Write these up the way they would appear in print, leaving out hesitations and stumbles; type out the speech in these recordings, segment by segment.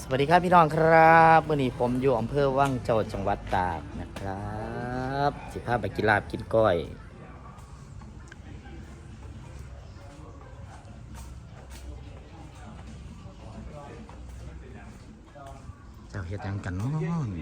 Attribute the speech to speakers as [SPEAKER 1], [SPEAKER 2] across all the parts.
[SPEAKER 1] วัสดีครับพี่น้องครับวันนี้ผมอยู่อำเภอวังเจ้าจังหวัดตากนะครับสิพาไปกินลาบกินก้อยเจ้าเฮ็ดหยังกันเนาะ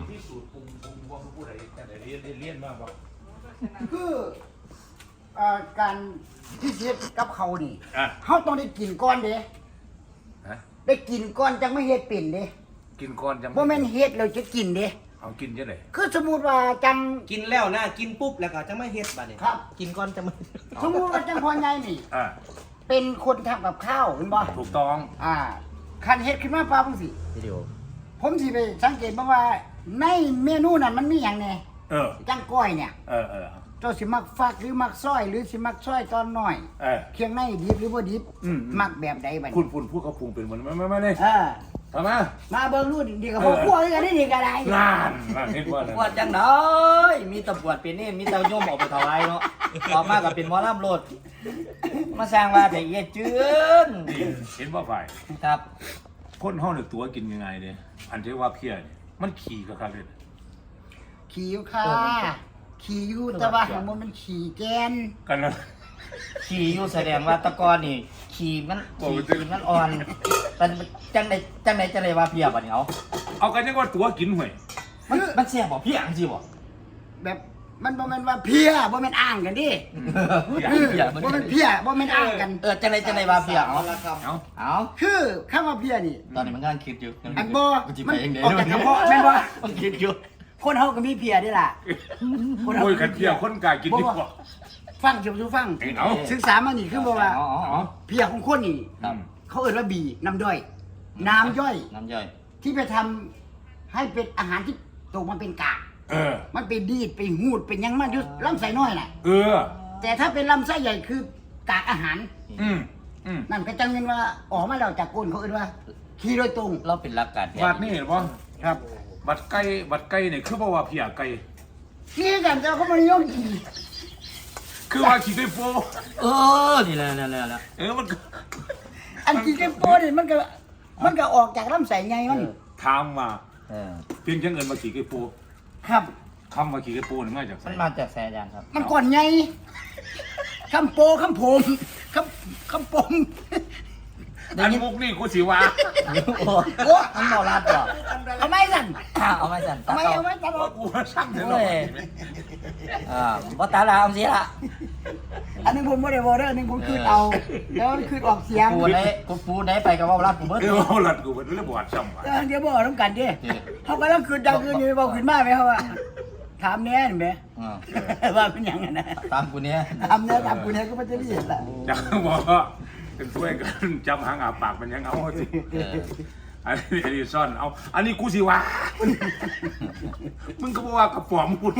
[SPEAKER 2] คือการที่เฮ็ดกับเขานี่เขาต้องได้กินก่อนเด้ได้กินก่อนจังไม่เฮ็ดเป็นเด้
[SPEAKER 3] กินก่อนจัง
[SPEAKER 2] บ่แม่นเฮ็ดแล้วจะกินเด้
[SPEAKER 3] เอากินจังได๋
[SPEAKER 2] คือสมมุติว่าจัง
[SPEAKER 4] กินแล้วนะกินปุ๊บแล้วก็จะไม่เฮ็ดบัดนี้
[SPEAKER 2] ครับ
[SPEAKER 4] กินก่อนจะไม่
[SPEAKER 2] สมมุติว่าจังพ่อใหญ่นี่เป็นคนทำกับข้าวเห็นบ่
[SPEAKER 3] ถูกต้อง
[SPEAKER 2] คันเฮ็ดขึ้นมาปั๊บจังซี่
[SPEAKER 1] วิดีโอ
[SPEAKER 2] ผมสิไปสังเกตบ่ว่าในเมนูนั้นมันมีหยังแน่จังก้อยเนี่ยเจ้าสิมักฟักหรือมักซอยหรือสิมักซอยตอนน้อยเคียงในดิบหรือบ่ดิบมักแบบใดบัดนี้
[SPEAKER 3] คุณพูดเขาปรุงเป็นเหมือนมานี่ทำ
[SPEAKER 2] มาเบิ่งรูดีกับพวกพวกกันนี่ก็ได้
[SPEAKER 3] นานเห็นบ่
[SPEAKER 1] ปวดจังได๋มีตะปวดเป็นนี่มีตะโยมออกไปถวายเนาะออกมาก็เป็นหมอลำโลดมาสร้างว่าแต่เอียจืน
[SPEAKER 3] เห็นบ่ฝ่าย
[SPEAKER 1] ครับ
[SPEAKER 3] คนเฮาเนี่ยตัวกินยังไงเด้อันที่ว่าเพี้ยนี่มันขี่ก็ครับเด้
[SPEAKER 2] ขี่อยู่ค่ะขี่อยู่แต่ว่าของมันขี่แกน
[SPEAKER 3] กันแล้ว
[SPEAKER 1] ขี่อยู่แสดงว่าตะกอนนี่ขี่มันอ่อนแต่จังไหนว่าเพียบัดนี้
[SPEAKER 3] เอากันยังว่าตัวกินห่วย
[SPEAKER 1] มันแซ่บบ่เพียจังซี่บ่
[SPEAKER 2] แบบมันบ่แม่นว่าเพียบ่แม่นอ้างกันดิบ่แม่นเพียบ่แม่นอ้างกัน
[SPEAKER 1] จังไหนว่าเพียเอา
[SPEAKER 2] คือคำว่าเพียนี่
[SPEAKER 1] ตอนนี้มันกำลังคิดอยู่
[SPEAKER 2] อันบ่มันออกจากกระเพาะแม่นบ่
[SPEAKER 1] มันคิดอยู่
[SPEAKER 2] คนเฮาก็มีเพียด้วยล่ะ
[SPEAKER 3] คนเฮากันเพียคนกายกินดีกว่า
[SPEAKER 2] ฟังสู่ฟังศึกษามานี่คือบ่ว่าเพียของคนนี่เขาเอิ้นว่าบีน้ำย่อยน้ำย่อยที่ไปทำให้เป็นอาหารที่ตกมาเป็นกากมันไปดีดไปหูดเป็นยังมันอยู่ลำไส้น้อยน่ะแต่ถ้าเป็นลำไส้ใหญ่คือกากอาหารนั่นก็จังเงินว่าออกมาแล้วจากก้นเขาเอิ้นว่าขี้โดยตรง
[SPEAKER 1] เราเป็นหลักการ
[SPEAKER 3] บัดนี้เห็นบ่ครับบัดไก่นี่คือบ่ว่าเพียไก่
[SPEAKER 2] ขี้กันแต่เขาบ่นิยมกิน
[SPEAKER 3] คือว่าขี้ไก่โฟ
[SPEAKER 1] นี่แหละ
[SPEAKER 3] มัน
[SPEAKER 2] อันขี้ไก่โฟนี่มันก็ออกจากลำไส้ใหญ่มัน
[SPEAKER 3] ถามมาเพียงจังเอิ้นว่าขี้ไก่โฟ
[SPEAKER 2] ครับ
[SPEAKER 3] คำว่าขี้ไก่โฟนี่มาจากไส
[SPEAKER 1] มันมาจากแสดงครับ
[SPEAKER 2] มันก่อนใหญ่คำโปคำผมคำปม
[SPEAKER 3] อันมุกนี่กูสิว่า
[SPEAKER 1] โอ้มันบ่รัดบ่
[SPEAKER 2] เอาไม่สั่น
[SPEAKER 1] เอาไม่สั่น
[SPEAKER 2] เอาไม่ตลอด
[SPEAKER 3] กูสั่งเลย
[SPEAKER 1] บ่ตาลามสิล่ะ
[SPEAKER 2] อันนึงผมบ่ได้บ่เด้ออันนึงผมคืนเอาแล้วมันคืนออกเสียง
[SPEAKER 1] กูไหนไปก็เว้ารัดกูเบิด
[SPEAKER 3] เว้ารัดกูเบิดเลยบ่ว่าซ้ำว่า
[SPEAKER 2] เดี๋ยวบ่นำกันดิเฮาก็ต้องคืนดังคืนนี่บ่คืนมาไหมเฮาว่าถามแน่เห็นมั้ยว่าเป็นหยังน่ะ
[SPEAKER 1] ตามกูเนี่ย
[SPEAKER 2] ถามกูเนี่ยก็มันจะได้เห็นล่ะ
[SPEAKER 3] จังบ่เป็นช่วยกันจำหางอาปากมันยังเอาสิอันนี้ซ่อนเอาอันนี้กูสิว่ามึงก็บอกว่ากระป๋อมหุ่น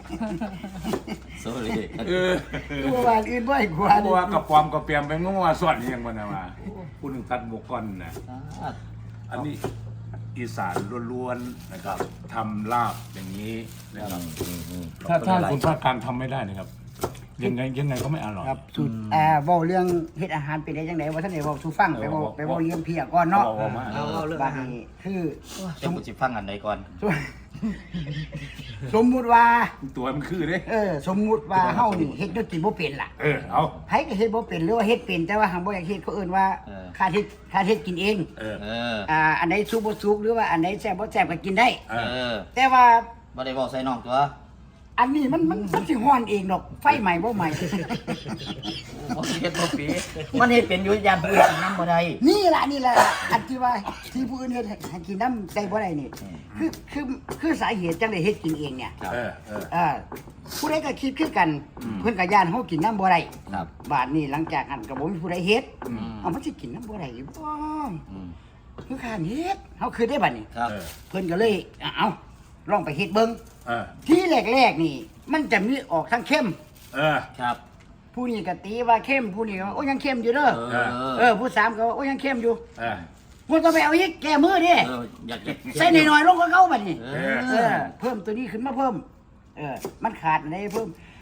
[SPEAKER 2] กูว่าอื่นบ่ให้กู
[SPEAKER 3] ว่ากระป๋อมกระเปียมไปงงว่าซ่อนยังบ่นะว่าผู้นึงตัดหมกก่อนนะอันนี้อีสานล้วนๆนะครับทำลาบอย่างนี้นะครับถ้าคุณภาคกลางทำไม่ได้นะครับยังไงก็ไม่อร่อย
[SPEAKER 2] ครับสุดเว้าเรื่องเฮ็ดอาหารเป็นได้จังได๋ว่าท่านได้เว้าสู่ฟังไปเว้าเรื่องเพียก่อนเนาะ
[SPEAKER 1] เอาเรื่องอาหาร
[SPEAKER 2] คือ
[SPEAKER 1] สมมุติสิฟังอันใดก่อน
[SPEAKER 2] สมมุติว่า
[SPEAKER 3] ตัวมันคือเด้
[SPEAKER 2] สมมุติว่าเฮานี่เฮ็ดด้วยกินบ่เป็นล่ะ
[SPEAKER 3] เอา
[SPEAKER 2] ไผก็เฮ็ดบ่เป็นหรือว่าเฮ็ดเป็นแต่ว่าหังบ่อยากเฮ็ดเขาเอิ้นว่าค่าเฮ็ดกินเองอันใดสุกบ่สุกหรือว่าอันใดแซ่บบ่แซ่บก็กินได้แต่ว่า
[SPEAKER 1] บ่ได้เว้าใส่น้องตัว
[SPEAKER 2] อันนี้มันสิฮ้อนเองดอกไฟใหม่บ่ใหม่
[SPEAKER 1] บ่เฮ็ดบ่ปีมันเฮ็ดเป็นอยู่ยามผู้อื่นนำบ่ได้
[SPEAKER 2] นี่ล่ะอันที่ว่าที่ผู้อื่นเฮ็ดให้กินน้ำได้บ่ได้นี่คือสาเหตุจังได้เฮ็ดกินเองเนี่ยผู้ใดก็คิดคือกันเพิ่นก็ย่านเฮากินน้ำบ่ได้บาดนี้หลังจากนั้นก็บ่มีผู้ใดเฮ็ดเอามันสิกินน้ำบ่ได้บ่คือข้านเฮ็ดเฮาคือได้บัดนี้เพิ่นก็เลยเอาลองไปเฮ็ดเบิ่งที่แรกๆนี่มันจะมีออกทั้งเข้ม
[SPEAKER 1] ครับ
[SPEAKER 2] ผู้นี้ก็ตีว่าเข้มผู้นี้ก็โอ้ยังเข้มอยู่เด้อผู้สามก็โอ้ยังเข้มอยู่มันต้องไปเอาอีกแก้มือดิใส่หน่อยๆลงก็เข้าบัดนี้เพิ่มตัวนี้ขึ้นมาเพิ่มมันขาดอะไรเพิ่ม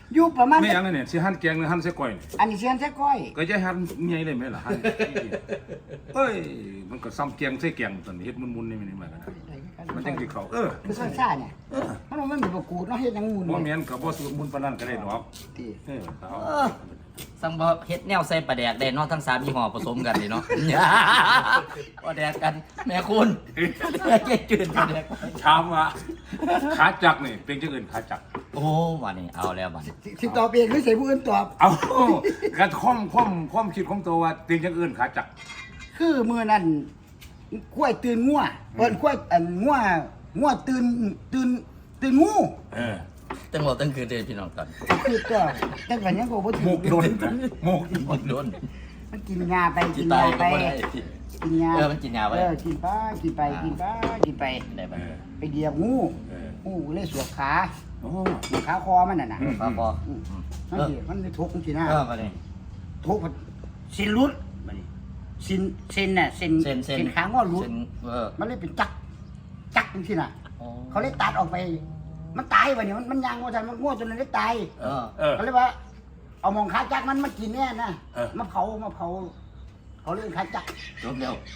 [SPEAKER 2] อยู่ประมาณ
[SPEAKER 3] ไม่ยังเนี่ยสิหั่นแกงหรือหั่นใส่ก้อยนี่
[SPEAKER 2] อันนี้เสียนแท้ก้อย
[SPEAKER 3] ก็จะหั่นใหญ่เลยไหมล่ะหั่นเอ้ยมันก็ซ้ำแกงใส่แกงตอนนี้เฮ็ดมุนๆนี่มันมากันมันจังสิเข้า
[SPEAKER 2] คือซ่าเนี่ยมันบ่มีประกูดเนาะเฮ็ดหยังมูน
[SPEAKER 3] บ่แม่นก็บ่สูตรมุนปานนั้นก็ได้ดอก
[SPEAKER 2] ติ
[SPEAKER 3] เอา
[SPEAKER 1] สั่งบ่เฮ็ดแนวใส่ปลาแดกได้เนาะทั้ง3ยี่ห้อผสมกันนี่เนาะปลาแดกกันแม่คุณเย็ดจืดปลาแดก
[SPEAKER 3] ถามว่าขาจักนี่เป็นจังอื่นขาจัก
[SPEAKER 1] โอ้วันนี้เอาแล้วบัด
[SPEAKER 2] สิตอบเองหรือใส่ผู้อื่นตอบ
[SPEAKER 3] เอากระความคิดของตัวว่าเป็นจังอื่นขาจัก
[SPEAKER 2] คือมื้อนั้นกล้วยตื่นงัวกล้วยงัวตื่นงู
[SPEAKER 1] ตั้งหมดตั้งคืนเลยพี่น้องก่อน
[SPEAKER 2] คือก็แต่ก็ยังก็บ่
[SPEAKER 3] ห
[SPEAKER 2] ถึ
[SPEAKER 3] ม
[SPEAKER 2] ง
[SPEAKER 3] กโดนนะหมก
[SPEAKER 1] หมดโดน
[SPEAKER 2] มันกินยาไป
[SPEAKER 1] กิ
[SPEAKER 2] กิ
[SPEAKER 1] น
[SPEAKER 2] น
[SPEAKER 1] ตาย
[SPEAKER 2] ยา
[SPEAKER 1] ก็
[SPEAKER 2] ไป
[SPEAKER 1] บ่ได้
[SPEAKER 2] กินยา
[SPEAKER 1] มันกินยาไว้
[SPEAKER 2] กินไป
[SPEAKER 1] ได้บัด
[SPEAKER 2] ไปเหยียบงูงูเลยสวบขา
[SPEAKER 3] โอ้
[SPEAKER 2] ขาคอมันน่ะนะ
[SPEAKER 1] พอ
[SPEAKER 2] มันสิมันเลยทุกข์ทีหน้า
[SPEAKER 1] บัดนี้
[SPEAKER 2] ทุกข์สินรุดบัดนี้สินน่ะสินขางอรุดมันเลยเป็นจักจังซี่น่ะเขาเลยตัดออกไป มันตายบัดนี้มันยางว่าซั่นมันงัวจนมันได้ตายก็เลยว่า เอามองขาจักมันกินแน่นะมาเผาเขาเรื่องขาจัก
[SPEAKER 1] จบแล้ว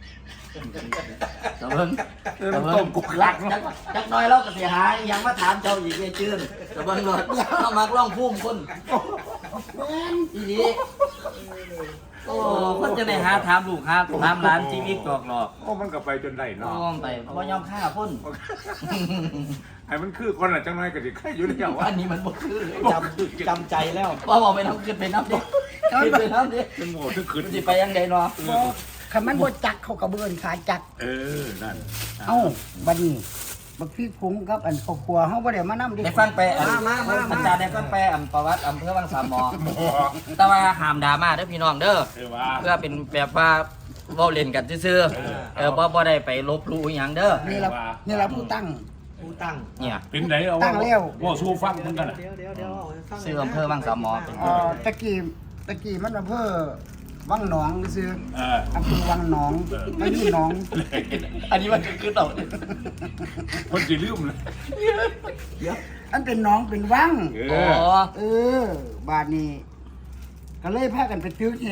[SPEAKER 1] จะเบิ่ง
[SPEAKER 3] ต้มกุกลัก
[SPEAKER 1] จักน้อยเราก็สิหายังมาถามเจ้าอีกเจื้อนจะเบิ่งรถเอามักร้องพุ่มคนอีนี้โอ้คนจะได้หาถามลูกหาถามหลานชีวิตกอกหลอก
[SPEAKER 3] โอ้มันก็ไปจนได้
[SPEAKER 1] น้
[SPEAKER 3] เนาะ
[SPEAKER 1] อมไปบ่ยอมฆ่าคน
[SPEAKER 3] ไอ้มันคือคนละจังน้อยก็สิใครอยู่แล้ววะ
[SPEAKER 1] อันนี้มันบ่คือเลย
[SPEAKER 4] จำใจแล้ว
[SPEAKER 1] ว่าบอกไปน้ำขึ้นไปน้ำดิขึ้นไปน้ำดิ
[SPEAKER 3] เป็นโง่ทุกคืน
[SPEAKER 1] สิไปยังไงเนาะ
[SPEAKER 2] คันมันบ่จักเขากระเบือนขาจัก
[SPEAKER 3] นั่น
[SPEAKER 2] เอ้าบัดนี้บักพี่พุงกับอันครอบครัวเฮาบ่ได้มานำดิ
[SPEAKER 1] ได้ฟังไปอาจารย์ได้ฟังไปประวัติอำเภอวังสามหมอแต่ว่าห้ามดราม่าเด้อพี่น้องเด้อ
[SPEAKER 3] ว่า
[SPEAKER 1] เพื่อเป็นแบบว่าเว้าเล่นกันซื่อบ่ได้ไปลบหลู่อีหยังเด้อ
[SPEAKER 2] นี่ล่ะผู้ตั้ง
[SPEAKER 4] ผู้ตั้ง
[SPEAKER 1] เนี่ย
[SPEAKER 3] เป็นไหนเอา
[SPEAKER 2] ตั้งแล้ว
[SPEAKER 3] ว่าสู้ฟังเหมือนกัน
[SPEAKER 4] เดี๋ยวเอาให้ฟัง
[SPEAKER 1] ชื่ออำเภอวังสามหมอเป็น
[SPEAKER 2] ตะกี้มันอำเภอวังหนองซื่ออำเภอวังหนองมันมีหนอง
[SPEAKER 1] อันนี้มันคือต่อ
[SPEAKER 3] คนสิลืมเลย
[SPEAKER 2] อันเป็นหนองเป็นวัง
[SPEAKER 1] อ๋อ
[SPEAKER 2] บาดนี้ก็เลยพากันไปตึกแห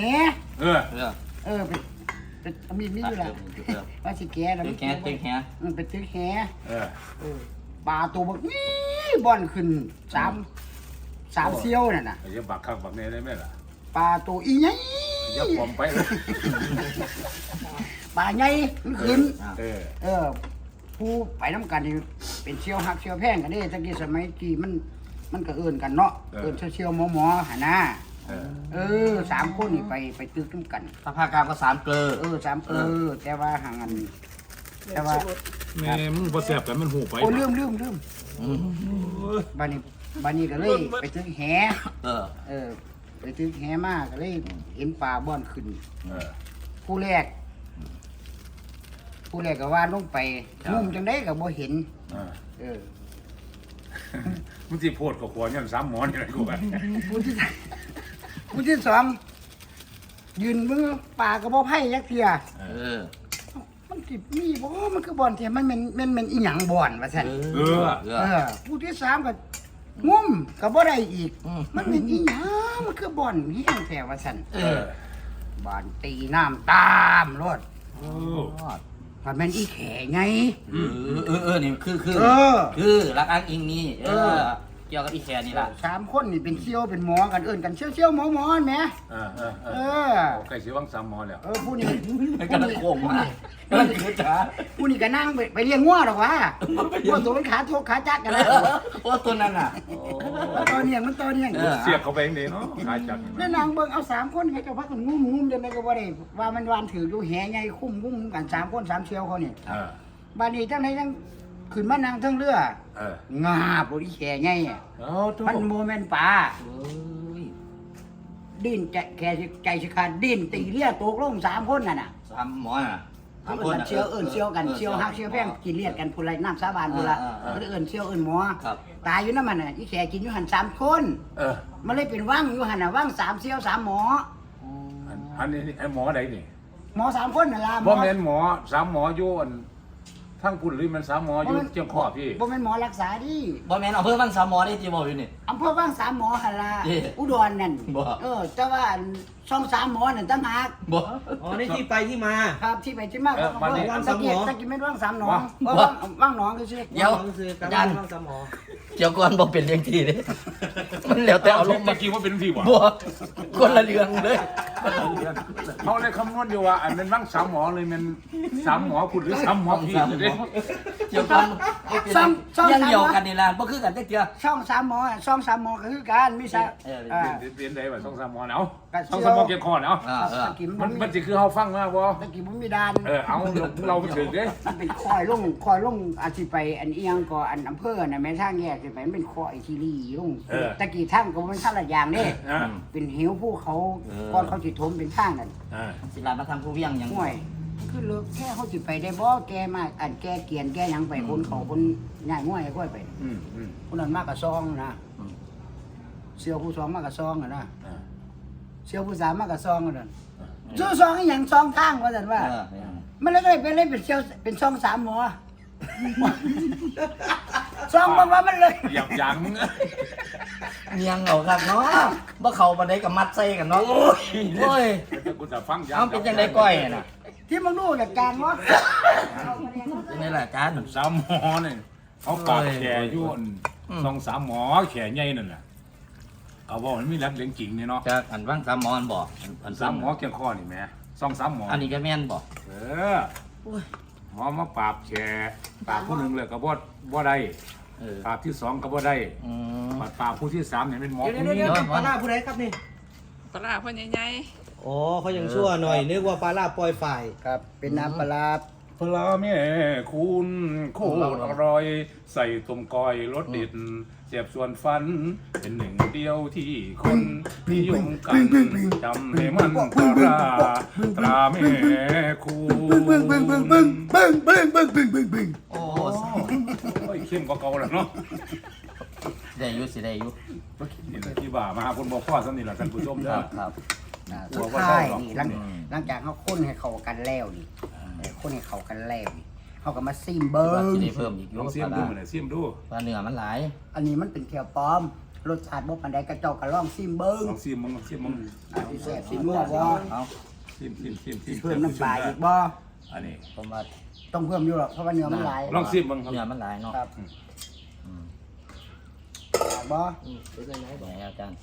[SPEAKER 2] เป็นมีอยู่ล่ะว่าสิแก่แล้ว
[SPEAKER 1] ตึกแฮตึกแฮ
[SPEAKER 2] ไปตึกแหปลาตัวบักนี่บ่อนขึ้น3เซี่ยวนั่นน่ะ
[SPEAKER 3] อย่าบักข้างบักแน่ได้ไหมล่ะ
[SPEAKER 2] ปลาตัวอีใหญ่
[SPEAKER 3] อย่าปลอมไป
[SPEAKER 2] ปลาใหญ่มันขึ้น ผู้ไปน้ำกันนี่เป็นเชี่ยวหักเชี่ยวแพงกันเด้ตะกี้สมัยกี้มันก็เอิ้นกันเนาะเอิ้นเชี่ยวหมอหาหน้า3คนนี่ไปตึกน้ำกัน
[SPEAKER 1] ถ้าภาคกลางก็3เกลอ
[SPEAKER 2] 3แต่ว่าห่างกันแต่ว่า
[SPEAKER 3] แม่มึงบ่แซ่บกันมันหูไป
[SPEAKER 2] โอ้ลืมบ้านนี้ก็เลยไปตึกแหไปตึกแหมาก็เลยเห็นปลาบ่อนขึ้นผู้แรกก็ว่าลงไปงุ่มจังได้ก็บ่เห็น
[SPEAKER 3] มึงสิโพดกับขวานยัน3หมอนนี่แหละกูว่า
[SPEAKER 2] ผู้ที่สองยืนมือปลาก็บ่ไผ่ยักเทียมันสิมีบ่มันคือบ่อนเทียมันเป็นอีหยังบ่อนว่าซั่นผู้ที่สามก็งุ่มก็บ่ได้อีกมันเป็นอีหยังมันคือบ่อนเฮียงแท้ว่าซั่นบ่อนตีน้ำตามรถมันเป็นอีแข่ไง
[SPEAKER 1] นี่คือรักอ้างอิงนี่เกี่ยวกับอีแคนี่ล่ะ
[SPEAKER 2] 3คนนี่เป็นเชี่ยวเป็นหมอกันเอิ้นกันเชี่ยวหมอแหม
[SPEAKER 3] ใกล้สิวัง3หมอแล้ว
[SPEAKER 2] ผู้นี้
[SPEAKER 1] กำลังโกงมา
[SPEAKER 2] ผู้นี้ก็นั่งไปเลี้ยงงัวหรอกวะงัวตัวมันขาทกขาจักกันแล้ว
[SPEAKER 1] โอ้ตัวนั้นน่ะ
[SPEAKER 2] ตัวเนียง
[SPEAKER 3] เสียบเข้าไปเองเด้เนาะขาจัก
[SPEAKER 2] แล้วนางเบิ่งเอา3คนให้เจ้าพักกันงุ่มจังได๋ก็บ่ได้ว่ามันวานถืออยู่แหใหญ่คุ้มกัน3คน3เชี่ยวเขานี่บัดนี้จังได๋จังขึ้นมานั่งเทิงเรืองาบ่อีแข่ใหญ่มันโมเมนต์ป่าดิ้นแค่ใจสิขาดดิ้นตีเลียตกลง3คนน่ะ
[SPEAKER 1] 3หมอน่ะ
[SPEAKER 2] เอิ้นเชี่ยวกันเชี่ยวฮักเชี่ยวแพงกินเลียดกันพุ่นไรน้ำสาบานพุ่นละก็เอิ้นเชี่ยวเอิ้นหมอตายอยู่นำมันน่ะอีแข่กินอยู่หั่น3คนมันเลยเป็นวังอยู่หั่นน่ะวัง3เชี่ยว3หมอ
[SPEAKER 3] อันนี้ไอ้หมอใดนี่
[SPEAKER 2] หมอ3คนน่ะล่ะ
[SPEAKER 3] บ่แม่นหมอ3หมออยู่อันทั้งคุณหรือมันสามหมออยู่เจียงขอพี่
[SPEAKER 2] บ่แม่นหมอรักษาดิ
[SPEAKER 1] บ่แม่นอำเภอบางสามหมอนี่ที่บอกอยู่นี่
[SPEAKER 2] อำเภอบ้างสามหมอหั่นล่ะ
[SPEAKER 1] เอ๊ะ
[SPEAKER 2] อุดรนั่น
[SPEAKER 1] บ่
[SPEAKER 2] แต่ว่าช่องสามหมอนั่นต่างหาก
[SPEAKER 1] บ่
[SPEAKER 4] อ๋อนี่ที่ไปที่มา
[SPEAKER 2] ครับที่ไปที่มาของอำเภอ
[SPEAKER 4] ว่าง
[SPEAKER 2] ตะ
[SPEAKER 4] สามหม
[SPEAKER 2] กี้
[SPEAKER 4] อ
[SPEAKER 2] ตะกี้แม่นว่างสามหนองว่างหนองคือชื่อ
[SPEAKER 1] เดี๋ยว
[SPEAKER 4] คือการ
[SPEAKER 1] ยัน
[SPEAKER 4] ฟังสมอ
[SPEAKER 1] เกี่ยวก่อนบ่เป็นเรื่องที่เด้มันแล้วแต่เอาลง
[SPEAKER 3] เมื่
[SPEAKER 1] มา
[SPEAKER 3] อกี้ว่าเป็นที่บ่
[SPEAKER 1] บ่คนละเรื่องเลย
[SPEAKER 3] เขาเลยคำนวณอยู่ว่าอันเป็นบ้างสามหมอเลยมันสามหมอคุณหรือสามหมอพี่เลย
[SPEAKER 1] เกี่ยวก่อนบ่เป็นเรื่องเดียวกันนี่ล่ะบ่คือกันจักเทื่อ
[SPEAKER 2] ช่องสามหมอช่องสามหมอก็คือการมีสา
[SPEAKER 1] เออ
[SPEAKER 3] เรียนได้ว่าสองสามหมอเนาะสองสามหมอเกี่ยวคอเนาะ
[SPEAKER 2] ตะกี้
[SPEAKER 3] มันสิคือเขาฟังมากบ่
[SPEAKER 2] ตะกี้บ่มีดาน
[SPEAKER 3] เอาเราไปถึงเด้
[SPEAKER 2] มันเป็นคอยลงอาจสิไปอันเอียงก็อันอำเภอน่ะแม่ทางแยกสิไปมันเป็นคอยทีรีลงตะกี้ทางก็บ่เป็นทางละอย่างเด้เป็นเหวภูเขาก่อนเขาสิถมเป็นทางนั่น
[SPEAKER 1] สิลามาทำผู้เวียงหยัง
[SPEAKER 2] ห่วยคือเลิกแค่เขาสิไปได้บ่แกมาอันแกเกียนแกหยังไปคนเขาคนง่ายง่วยค่อยไปคนนั้นมากกับซองนะเสี่ยวผู้สองมากกับซองนะเสี่ยวผู้สามมากกับซองนั่นซื้อซองอีหยังซองทางว่าซั่นว่า มันเลยเป็นเลยเป็นเสี่ยวเป็นซองสามหมอซองบอกว่ามันเลย
[SPEAKER 3] หยับยั้ง
[SPEAKER 1] เมียงเอาครับเนาะบ่เข้าปานใดก็มัดใส่กันเนาะโอ้ย
[SPEAKER 3] กูจะฟัง
[SPEAKER 1] เอาเป็นจังได๋ก้อยน่ะ
[SPEAKER 2] ที่มึงรู้จากการวะ
[SPEAKER 1] เป็นไงล่ะอาจารย์
[SPEAKER 3] สามหมอเนี่ยเขาปากแขยุ่นสองสามหมอแขใหญ่นั่นแหละเอาบอกมันมีรักเลี้ยงจริงเนี่ยเนาะ
[SPEAKER 1] จากอันว่างสามหมออันบอกอัน
[SPEAKER 3] สามหมอเกี่ยวข้อนี่แม่สองสามหมอ
[SPEAKER 1] อันนี้ก็แม่นบอก
[SPEAKER 3] หมอมาปราบแขปราบผู้หนึ่งเลยก็บ่ได้ปราบที่สองก็บ่ได้ปราบผู้ที่สามเนี่ยเป็นหมอ
[SPEAKER 4] เดี๋ยว
[SPEAKER 3] ผู้
[SPEAKER 4] เดี๋ยว
[SPEAKER 3] นี้
[SPEAKER 4] เดี๋ยวปลาล่าผู้ใดครับนี่
[SPEAKER 5] ปลาพ่อใหญ่
[SPEAKER 4] อ๋อเขายังชั่วหน่อยนึกว่าปลาล่าปล่อยฝ่าย
[SPEAKER 2] ครับเป็นน้ำปลา
[SPEAKER 3] ปลาแม่คุณโคตรอร่อยใส่ต้มก้อยรสเด็ดเสียบส่วนฟัน เป็นหนึ่งเดียวที่คนนิยมกันจำให้มันตราตราแม่คุณ
[SPEAKER 1] โอ้
[SPEAKER 3] โอ้ยเข้มกว่าเก่าแล้วเนาะ
[SPEAKER 1] ได้อยู่สิได้อยู่
[SPEAKER 3] นี่แหละที่บ่ามาหาคนบอกพ่อสนิทละท่านผู้ชม
[SPEAKER 1] ค
[SPEAKER 3] เด้อ
[SPEAKER 1] รับครับ
[SPEAKER 2] สุดท้ายนี่หลังจากเขาค้นให้เขากันแล้วนี่ค้นให้เขากันแล้วนี่เขาก็มาซิมเบิ้
[SPEAKER 1] ว่าง สิได้เพิ่มอีกอ
[SPEAKER 3] ล
[SPEAKER 1] ยู่
[SPEAKER 3] องเสียมดูหน่อยเสียมดู
[SPEAKER 1] ปลาเนื้อมันหลาย
[SPEAKER 2] อันนี้มันเป็นเทียวปลอมรสชาติบ่ปานใดกระเจ้ากระล่องซิมเบิ้ง
[SPEAKER 3] ลองเสียมมึงเสียมมึง
[SPEAKER 2] สิแซ่บสินัวบ่
[SPEAKER 1] เอา
[SPEAKER 3] เสียมเสียม
[SPEAKER 2] เพิ่มน้ำปลาอีกบ่
[SPEAKER 3] อันนี้
[SPEAKER 1] ผมว่า
[SPEAKER 2] ต้องเพิ่มอยู่หรอกเพราะว่าเนื้อมันหลาย
[SPEAKER 3] ลองเสียมมึงครับ
[SPEAKER 1] เนื้อมันหลายเนาะ
[SPEAKER 2] ครับบ่
[SPEAKER 4] เป็นยังไง
[SPEAKER 1] ไหนอาจารย์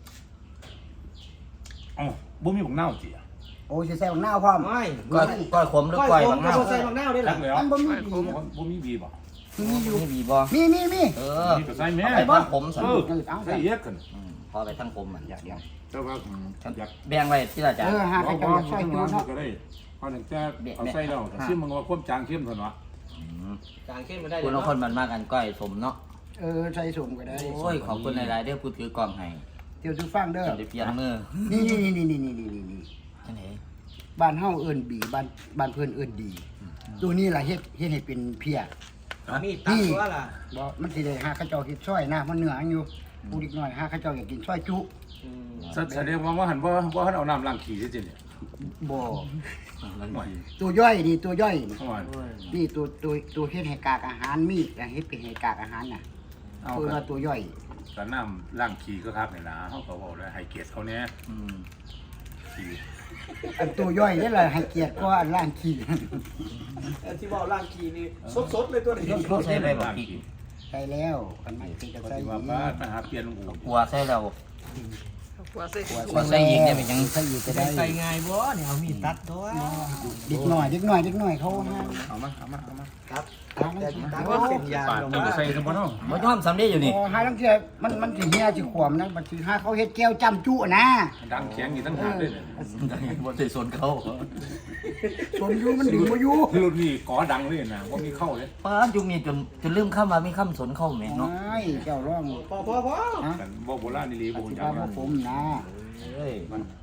[SPEAKER 3] อ๋อบ่มีผงเน่าจีอ่ะ
[SPEAKER 2] โอ้ยสิใส่บักนาวพร้อม
[SPEAKER 4] ไม่
[SPEAKER 1] ก้อยขมหรือก้อยบาง
[SPEAKER 4] ก็
[SPEAKER 1] เน่า
[SPEAKER 4] ใส่บางหน้าได้หร
[SPEAKER 3] รั
[SPEAKER 4] อก
[SPEAKER 3] แล้ว
[SPEAKER 2] มันบ่มีดี
[SPEAKER 3] บ่มีบีบ่
[SPEAKER 2] มีอยู่
[SPEAKER 1] นี่บีบ่
[SPEAKER 2] มี
[SPEAKER 1] เออ
[SPEAKER 3] มีก็ใส่แม่
[SPEAKER 1] ไปทางผมสัน
[SPEAKER 3] ใส่เยอะกัน
[SPEAKER 1] พอไปทางผมอ่ะ
[SPEAKER 2] เดี๋ยว
[SPEAKER 3] แต่ว่าอยาก
[SPEAKER 1] แบ่งไว้ที่ละอาจารย์
[SPEAKER 2] หาใครจะช่วยดูเนาะ
[SPEAKER 3] ก็ได้พอถึงจะเอาใส่แล้วซิมมึงว่าความจางเข้มเท่านั้นวะ
[SPEAKER 4] จางเข้มมาได้
[SPEAKER 1] คุณเอาคนมันมากกันก้อยสมเนาะ
[SPEAKER 2] ใส่สมก็ได้
[SPEAKER 1] โอ้ยขอบคุณหลายๆเด้อพูดถือกล่องให้
[SPEAKER 2] เดี๋ยวทุกฟังเด้อ
[SPEAKER 1] จะได้เปลี่ยนมือ
[SPEAKER 2] นี่
[SPEAKER 1] จังได๋
[SPEAKER 2] บ้านเฮาเอิ้นบีบ้านเพิ่นเอิ้นดี ตัวนี้ล่ะเฮ็ดให้เป็นเพีย
[SPEAKER 4] มีตัดตัวล่ะ
[SPEAKER 2] บ่มันสิได้หาข้าเจ้าเฮ็ดซอยนะมันเหนืออยู่ผู้เด็กน้อยหาข้าเจ้าอยากกินซอยจุ
[SPEAKER 3] แสดงว่าหันว่าหันเอาน้ำล้างขี้จริงเนี่ย
[SPEAKER 2] บ่
[SPEAKER 1] มัน
[SPEAKER 3] ห่วย
[SPEAKER 2] ตัวย่อยนี่ตัวย่อยนี่
[SPEAKER 3] ห่วย
[SPEAKER 2] นี่ตัวเฮ็ดให้กากอาหารมีดเฮ็ดเป็นให้กากอาหารน่ะ
[SPEAKER 3] เอา
[SPEAKER 2] คือว่าตัวย่อย
[SPEAKER 3] แต่น้ำล้างขี้ก็ครับเนี่ยนะเขาก็บอกแล้วให้เกียรติเขาเนี่ยขี้
[SPEAKER 2] อันตัวย่อยนี่แหละให้เกียรติก็อันล่างขี้
[SPEAKER 4] ที่ว่าล่างกีนี่สดๆเลยตัวนี้
[SPEAKER 1] เขาใส่ไปบ่
[SPEAKER 3] ล้าง
[SPEAKER 1] พี่
[SPEAKER 3] ขี้
[SPEAKER 2] ใช่แล้วกันไม่ติดจะ
[SPEAKER 3] ป
[SPEAKER 2] ใส่
[SPEAKER 3] ฏิ
[SPEAKER 2] อี
[SPEAKER 3] วัติว่ามาหาเปลี่ยนอู่
[SPEAKER 1] กลัวใส่แล้ว
[SPEAKER 5] ๆหัวใส่
[SPEAKER 1] ว่าใส่อีกเนี่ยเป็นยัง
[SPEAKER 2] ใส่อีกก็ได้
[SPEAKER 4] ใส่ง่ายบ่เนี่ยเอามีดตัดตัว
[SPEAKER 2] เด็กหน่อยเขาหา
[SPEAKER 3] เอามา
[SPEAKER 4] แต่ที่ตัดว่าเป็นยา
[SPEAKER 3] ปาด
[SPEAKER 4] ลง
[SPEAKER 3] ตัว
[SPEAKER 4] มา
[SPEAKER 3] ใส่สมบูรณ์เนาะ
[SPEAKER 1] บ่ยอมสำเร็จอยู่นี่
[SPEAKER 2] หาลังเทื่อมันสิเฮียสิขวมนะบัดสิหาเขาเฮ็ดแก้วจำจุนะ
[SPEAKER 3] ดังแข็งอยู่ตั้งหากเลยเนี่ย
[SPEAKER 1] บ่ได้สนเขา
[SPEAKER 2] สนอยู่มันดึงบ่อยู่
[SPEAKER 3] รุ่นนี้ก่อดังเลยนะว่ามีเข้าเลย
[SPEAKER 1] ป้าจุมีจนลืมคำว่ามีคำสนเข้าแม่เนาะ
[SPEAKER 2] ไม่เจ้าร้อง
[SPEAKER 4] พอ
[SPEAKER 2] ฮะ
[SPEAKER 3] กันบ่โบราณนี่ลี
[SPEAKER 2] ป
[SPEAKER 3] บ่
[SPEAKER 2] ฏิ
[SPEAKER 3] จั
[SPEAKER 2] บั
[SPEAKER 3] ง
[SPEAKER 2] ติผมนะ
[SPEAKER 1] เอ้ย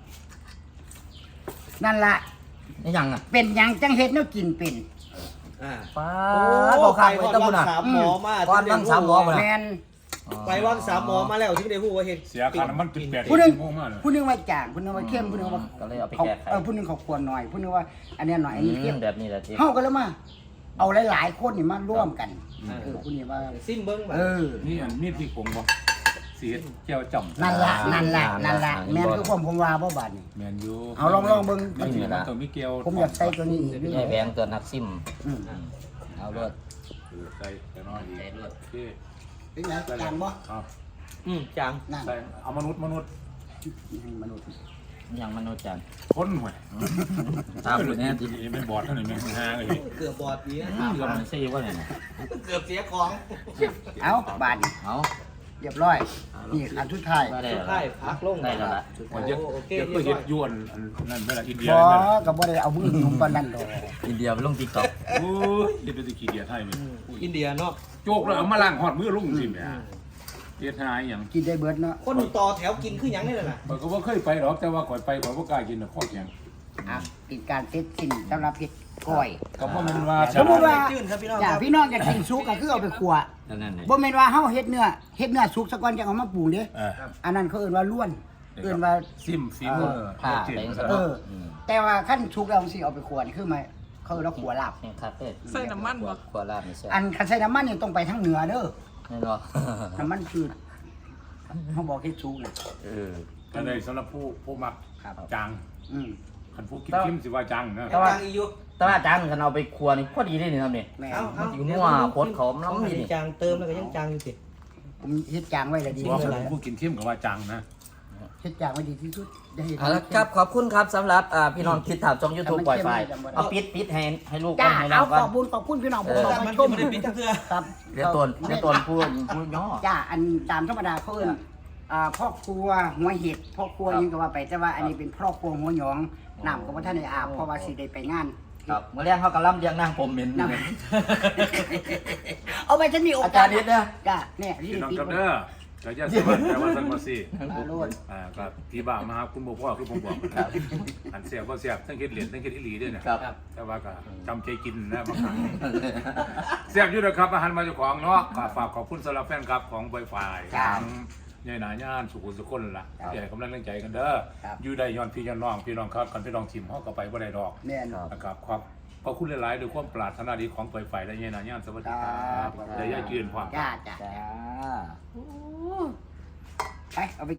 [SPEAKER 2] นั่นล่ะ
[SPEAKER 1] นี่ยังอ่ะ
[SPEAKER 2] เป็นหยังจังเฮ็ดแนวกินเป็น
[SPEAKER 1] ป้า
[SPEAKER 4] โอ้
[SPEAKER 1] บ่
[SPEAKER 4] ไป
[SPEAKER 1] ขาดไว้
[SPEAKER 4] วั
[SPEAKER 1] ตะบุญ
[SPEAKER 4] ง
[SPEAKER 1] น่ะ
[SPEAKER 4] สามหมอมา
[SPEAKER 1] ก่อนวังสามหมอบ่
[SPEAKER 2] แม่
[SPEAKER 1] น่ะ
[SPEAKER 2] น
[SPEAKER 4] ไปวังสามหมอมาแล้วถึงได้ฮู้ว่าเฮ็ด
[SPEAKER 3] เสียค่าน้ำมันเป็น8
[SPEAKER 2] ผู้หนึง
[SPEAKER 3] ชั่วโมงมากเลย
[SPEAKER 2] ผู้หนึงว่าจางผู้หนึงว่าเข้มผู้หนึงว่า
[SPEAKER 1] ก็เลยเอาไป
[SPEAKER 2] เขา
[SPEAKER 1] แก้ไข
[SPEAKER 2] ผู้หนึงเขาควรหน่อยผู้หนึงว่าอันเนี้ยหน่อยอันนี้เข้ม
[SPEAKER 1] แบบนี้แหละที่
[SPEAKER 2] เฮากันแล้วมาเอาหลายๆคนนี่มาร่วมกันผู้นี้ว่า
[SPEAKER 4] ซิมเบิ้งแบบ
[SPEAKER 3] นี่อันนี้ที่ผมบอกสีเจ้าจ่อม
[SPEAKER 2] นั่นละแม่นคือผมว่าบ่บาดนี่
[SPEAKER 3] แมนยู
[SPEAKER 2] เอาลองเบิ่ง
[SPEAKER 3] มันมีมันตัวมิเกล
[SPEAKER 2] ผมอยากใส่ตัวนี้อีก
[SPEAKER 1] ใหญ่แบงตัวนักซิม เอารวด
[SPEAKER 3] ใส่แต่น้อยดี
[SPEAKER 1] ใส่รวด
[SPEAKER 3] โอเค
[SPEAKER 2] เป็นไงจานบ่
[SPEAKER 3] ครับ
[SPEAKER 4] จัง
[SPEAKER 2] นั่น
[SPEAKER 3] ใส่เอามนุษย์
[SPEAKER 2] มนุษย์
[SPEAKER 1] ยังมนุษย์จัน
[SPEAKER 3] คนหวย
[SPEAKER 1] ตามคุณแน่ที
[SPEAKER 3] ไม่บอดเท่าไหร่ไม่หาเลย
[SPEAKER 4] เกือบบอดนี้
[SPEAKER 1] เกือบมันซี่ว่าไงนะ
[SPEAKER 4] เกือบเสียของ
[SPEAKER 2] เอาบาดนี่
[SPEAKER 1] เอา
[SPEAKER 2] เรียบร้อยนี่อันสุดท้าย
[SPEAKER 1] ได้
[SPEAKER 4] สุด
[SPEAKER 1] แล้ว
[SPEAKER 4] ท้ายพักลง
[SPEAKER 1] ได้แล้วละ
[SPEAKER 3] มันจะจะก็ยึดยวนนั่นเวลาอินเดีย
[SPEAKER 2] บ่
[SPEAKER 3] นั่น
[SPEAKER 2] ก็บ่ได้เอามือหนุ่มปานนั้นดอก
[SPEAKER 1] อินเดียไปลงติ๊กต็อก
[SPEAKER 3] โอ้ยเดี๋ยวไปขี้เดียดให้มั้ย
[SPEAKER 4] อินเดียเนาะ
[SPEAKER 3] โจกแล้วเอามาล้างหอดมือลุงสิแม่เดียดหายอย่าง
[SPEAKER 2] กินได้เบิดเนาะ
[SPEAKER 4] คนต่อแถวกินคือหยังนี่แหละนะ
[SPEAKER 3] ผมก็ว่าเคยไปหรอกแต่ว่าก่อยไปก่อยว่ากล้ากินนะข้อแข็ง
[SPEAKER 2] อ่ะเป็นการเซตสิ้นสำหรับเฮ็ดก้อย
[SPEAKER 3] ก็เพราะมันว่า
[SPEAKER 2] สมมุติว่า
[SPEAKER 4] จื้นครับพี่น้อง
[SPEAKER 2] อย่า
[SPEAKER 4] ครับ
[SPEAKER 2] พี่น้องอยากกินสุกก็คือเอาไปคั่ว
[SPEAKER 1] นั่นนี่
[SPEAKER 2] บ่แม่นว่าเฮาเฮ็ดเนื้อสุกซะก่อนจังเอามาปรุงเด้อันนั้นเขาเอิ้นว่าล้วนเอิ้นว่า
[SPEAKER 3] ซิมฟีมือ
[SPEAKER 1] ผ้าแบงสะ
[SPEAKER 2] แต่ว่าขั้นสุกแล้วสิเอาไปคั่วนี่คือหมายเขาเอิ้นว่าคั่วลาบ
[SPEAKER 1] นี่คาเฟ่
[SPEAKER 5] ใส่น้ำมันบ่
[SPEAKER 1] ขวดลาบนี่ใช่
[SPEAKER 2] อันคันใส่น้ำมันนี่ต้องไปทางเหนือเด้อ
[SPEAKER 1] แน่นอน
[SPEAKER 2] น้ำมันคือเขาบอกให้สุกน่ะ
[SPEAKER 3] ก็เลยสำหรับผู้มักจัง
[SPEAKER 2] อืม
[SPEAKER 3] คันผู้กินเข้มสิว่าจังนะ
[SPEAKER 1] แต่ว่า
[SPEAKER 4] จังอีอยู่
[SPEAKER 1] แต่ว่าจานกันเอาไปครัวนี่พอดีเลยนี่ครับนี่
[SPEAKER 2] แม่
[SPEAKER 1] มันอยู่นัวโคตรเขาน้ำนี่
[SPEAKER 4] จางเติมแล้วก็ยังจางอยู่สิ
[SPEAKER 2] ผมเฮ็ดจางไว้แล้วดี
[SPEAKER 3] บอก
[SPEAKER 2] เลย
[SPEAKER 3] ผู้กินเข้มกับว่าจังนะ
[SPEAKER 2] เฮ็ดจางไว้ดีที่สุดอย่าเฮ็ด
[SPEAKER 1] เอาละครับขอบคุณครับสำหรับพี่น้องคิดถามช่อง YouTube ปล่อยไฟเอาปิดให้ลูก
[SPEAKER 2] จ้า
[SPEAKER 1] ให้น้อ
[SPEAKER 2] เอา
[SPEAKER 1] งก่อน
[SPEAKER 2] ขอบคุณพี่น้องผม
[SPEAKER 4] แต่
[SPEAKER 2] มา
[SPEAKER 4] มัน
[SPEAKER 2] ช
[SPEAKER 4] ก็
[SPEAKER 2] ม
[SPEAKER 4] ไม่ได้ปิดทั้งเทื่อ
[SPEAKER 2] ครับ
[SPEAKER 1] เดี๋ยวตนพูดย่อ
[SPEAKER 2] จ้าอันตามธรรมดาเขาเอิ้นพ่อครัวหัวเห็ดพ่อครัวยังก็ว่าไปแต่ว่าอันนี้เป็นพ่อครัวหัวหยองน้ำก็บ่ทันได้อาบเพราะว่าสิได้ไปงาน
[SPEAKER 1] ครับเมื่อเรียกเขากระลำเรียงนางผมเหม็น
[SPEAKER 2] น้ำ เอาไปฉันมีโอกาส
[SPEAKER 1] อาจารย์นิดนะ
[SPEAKER 2] จ้าเนี่ยที่
[SPEAKER 3] พี่น้อง
[SPEAKER 2] ปิด
[SPEAKER 3] กับเด้อก็จะสวัสดิ์แต่ว่าสันมาซี
[SPEAKER 2] โลด
[SPEAKER 3] ครับพี่บ่ามาครับคุณบ่พ่อคือผมบอกนะครับอันเสียบบ่เสียบทั้งเฮ็ดเหรียญทั้งเฮ็ดอีหลีด้วยนะครับ แต่ว่าก็จำใจกินนะบางครั้งเสียบอยู่นะครับอาหารมาเจ้าของเนาะก็ฝากขอบคุณสำหรับแฟนคลับของไวไฟทั้งใหญ่หนาย่านสุขุมสุขคนล่ะที่ให้กำลังใจกันเด้ออยู่ได้ย้อนพี่ย้อนน้องพี่น้องครับกันพี่น้องทีมเฮาก็ไปบ่ได้ดอก
[SPEAKER 2] แม่น
[SPEAKER 3] นะครับขอบคุณหลายๆด้วยความปรารถนาดีของไวไฟและใหญ่หนาย่านสวัสดีครับได้ย่ายืนพร้อม
[SPEAKER 2] จ้า
[SPEAKER 1] จ้า
[SPEAKER 2] ไปเอาไป